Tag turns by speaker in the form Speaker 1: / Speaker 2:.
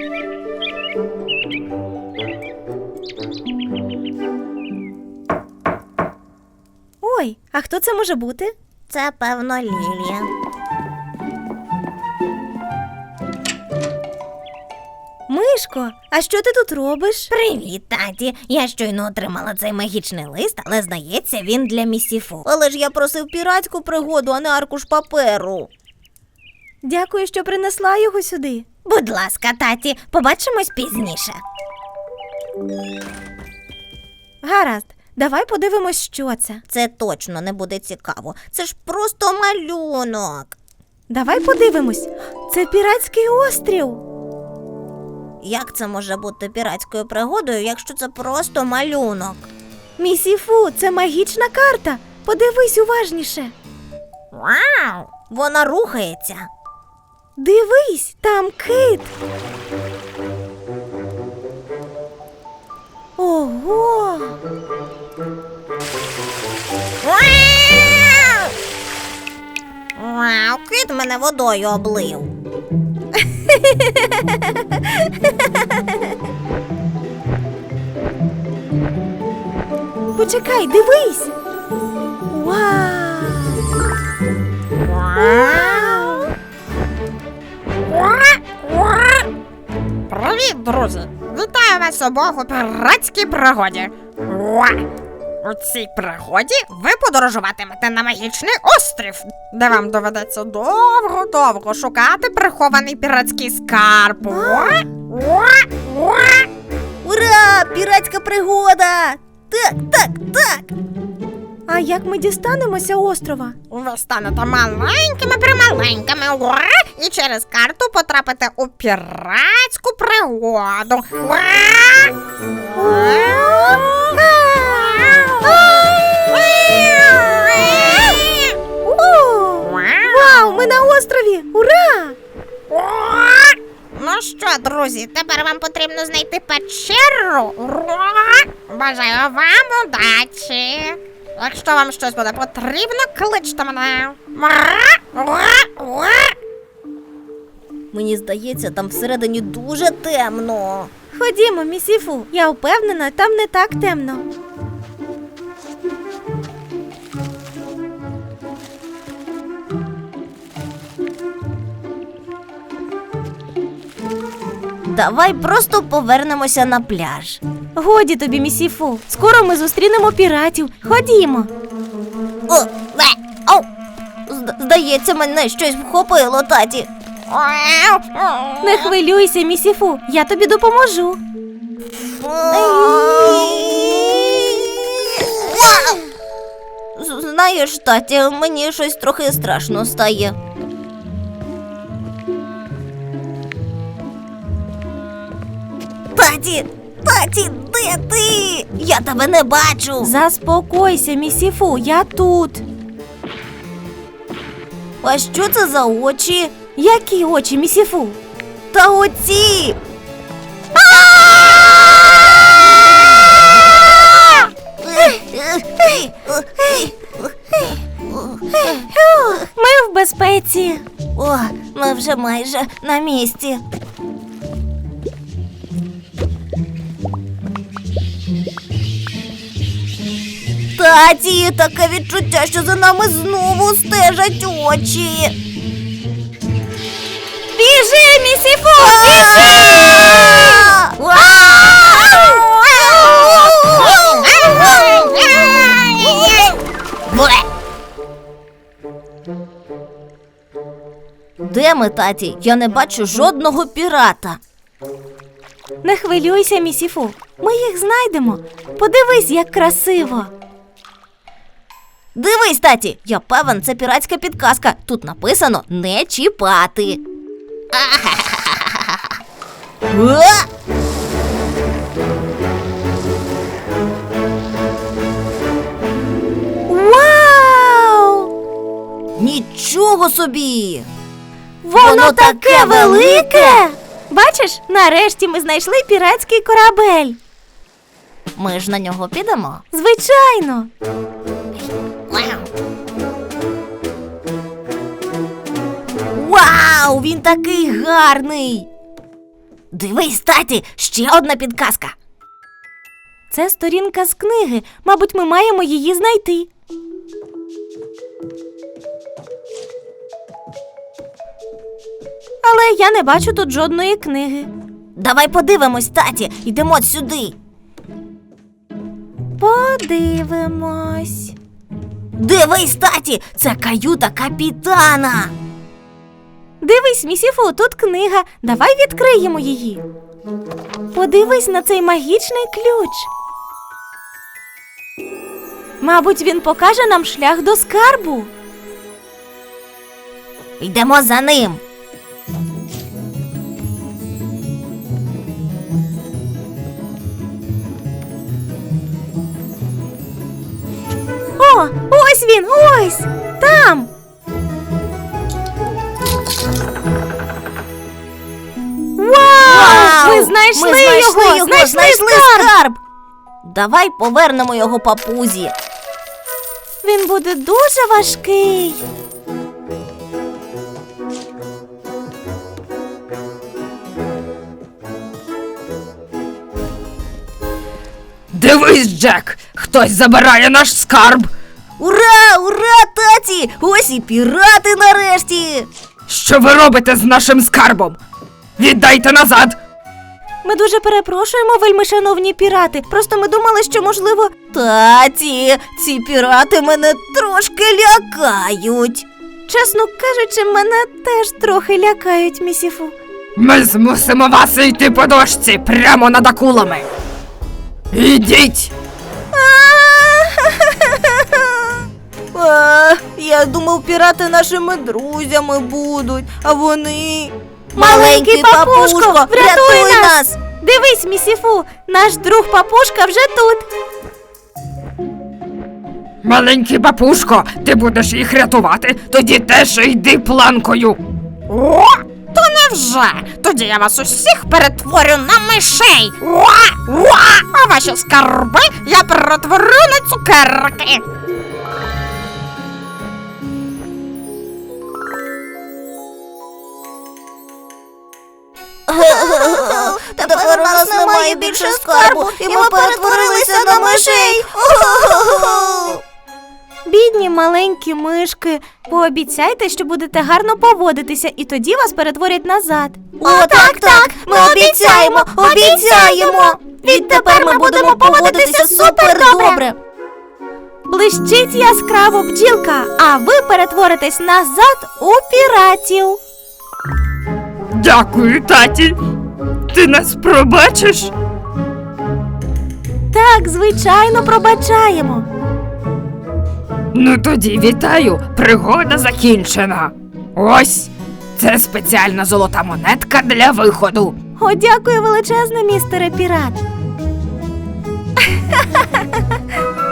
Speaker 1: Ой, а хто це може бути?
Speaker 2: Це, певно, Лілія.
Speaker 1: Мишко, а що ти тут робиш?
Speaker 2: Привіт, таті. Я щойно отримала цей магічний лист, але, здається, він для місіфу. Але ж я просив піратську пригоду, а не аркуш паперу.
Speaker 1: Дякую, що принесла його сюди.
Speaker 2: Будь ласка, таті, побачимось пізніше.
Speaker 1: Гаразд, давай подивимось, що це.
Speaker 2: Це точно не буде цікаво. Це ж просто малюнок.
Speaker 1: Давай подивимось. Це піратський острів.
Speaker 2: Як це може бути піратською пригодою, якщо це просто малюнок?
Speaker 1: Місіфу, це магічна карта. Подивись уважніше.
Speaker 2: Вау! Вона рухається.
Speaker 1: Дивись, там кит. Ого!
Speaker 2: Вау! Вау, кит мене водою облив.
Speaker 1: Почекай, дивись. Вау!
Speaker 3: Привіт, друзі! Вітаю вас обох у піратській пригоді. У цій пригоді ви подорожуватимете на магічний острів, де вам доведеться довго-довго шукати прихований піратський скарб.
Speaker 2: Ура! Піратська пригода! Так, так, так!
Speaker 1: А як ми дістанемося острова?
Speaker 3: Ви станете маленькими, і через карту потрапите у піратську пригоду.
Speaker 1: Вау, ми на острові! Ура!
Speaker 3: Ну що, друзі, тепер вам потрібно знайти печеру. Бажаю вам удачі. Якщо вам щось буде потрібно, кличте мене.
Speaker 2: Мені здається, там всередині дуже темно.
Speaker 1: Ходімо, місіфу. Я впевнена, там не так темно.
Speaker 2: Давай просто повернемося на пляж.
Speaker 1: Годі тобі, місіфу. Скоро ми зустрінемо піратів. Ходімо.
Speaker 2: Здається, мене щось вхопило, таті.
Speaker 1: Не хвилюйся, місіфу. Я тобі допоможу.
Speaker 2: Знаєш, таті, мені щось трохи страшно стає. Таті, де ти? Я тебе не бачу.
Speaker 1: Заспокойся, місіфу, я тут.
Speaker 2: А що це за очі?
Speaker 1: Які очі, місіфу?
Speaker 2: Та оці!
Speaker 1: Ми в безпеці.
Speaker 2: О, ми вже майже на місці. Таті, таке відчуття, що за нами знову стежать очі.
Speaker 1: Біжи, місіфу, біжи!
Speaker 2: Де ми, таті? Я не бачу жодного пірата.
Speaker 1: Не хвилюйся, місіфу. Ми їх знайдемо. Подивись, як красиво.
Speaker 2: Дивись, таті, я певен, це піратська підказка. Тут написано «не чіпати».
Speaker 1: Вау!
Speaker 2: Нічого собі!
Speaker 1: Воно таке велике! Бачиш, нарешті ми знайшли піратський корабель.
Speaker 2: Ми ж на нього підемо?
Speaker 1: Звичайно.
Speaker 2: Вау, він такий гарний! Дивись, таті, ще одна підказка.
Speaker 1: Це сторінка з книги. Мабуть, ми маємо її знайти. Але я не бачу тут жодної книги.
Speaker 2: Давай подивимось, таті, йдемо сюди.
Speaker 1: Подивимось.
Speaker 2: Дивись, таті, це каюта капітана.
Speaker 1: Дивись, місіфу, тут книга. Давай відкриємо її. Подивись на цей магічний ключ. Мабуть, він покаже нам шлях до скарбу.
Speaker 2: Йдемо за ним.
Speaker 1: О, ось він, ось! Там! Вау! Ми знайшли його! Знайшли скарб!
Speaker 2: Давай повернемо його папузі.
Speaker 1: Він буде дуже важкий.
Speaker 3: Дивись, Джек, хтось забирає наш скарб.
Speaker 2: Ура, ура, таті! Ось і пірати нарешті!
Speaker 3: Що ви робите з нашим скарбом? Віддайте назад!
Speaker 1: Ми дуже перепрошуємо, вельмишановні пірати. Просто ми думали, що, можливо...
Speaker 2: Таті, ці пірати мене трошки лякають.
Speaker 1: Чесно кажучи, мене теж трохи лякають, місіфу.
Speaker 3: Ми змусимо вас йти по дошці прямо над акулами. Ідіть!
Speaker 2: Я думав, пірати нашими друзями будуть, а вони...
Speaker 1: Маленький папушко, врятуй
Speaker 2: нас!
Speaker 1: Дивись, місіфу, наш друг папушка вже тут.
Speaker 3: Маленький папушко, ти будеш їх рятувати, тоді теж йди планкою. О, то невже? Тоді я вас усіх перетворю на мишей. А ваші скарби я перетворю на цукерки.
Speaker 2: Тепер у нас немає більше скарбу, і ми перетворилися на мишей.
Speaker 1: Бідні маленькі мишки, пообіцяйте, що будете гарно поводитися, і тоді вас перетворять назад.
Speaker 2: О, так, ми обіцяємо. Відтепер ми будемо поводитися супер добре.
Speaker 1: Блищить яскраво бджілка, а ви перетворитесь назад у піратів.
Speaker 3: Дякую, таті. Ти нас пробачиш?
Speaker 1: Так, звичайно, пробачаємо.
Speaker 3: Ну тоді вітаю, пригода закінчена. Ось, це спеціальна золота монетка для виходу.
Speaker 1: О, дякую величезне, містере пірат.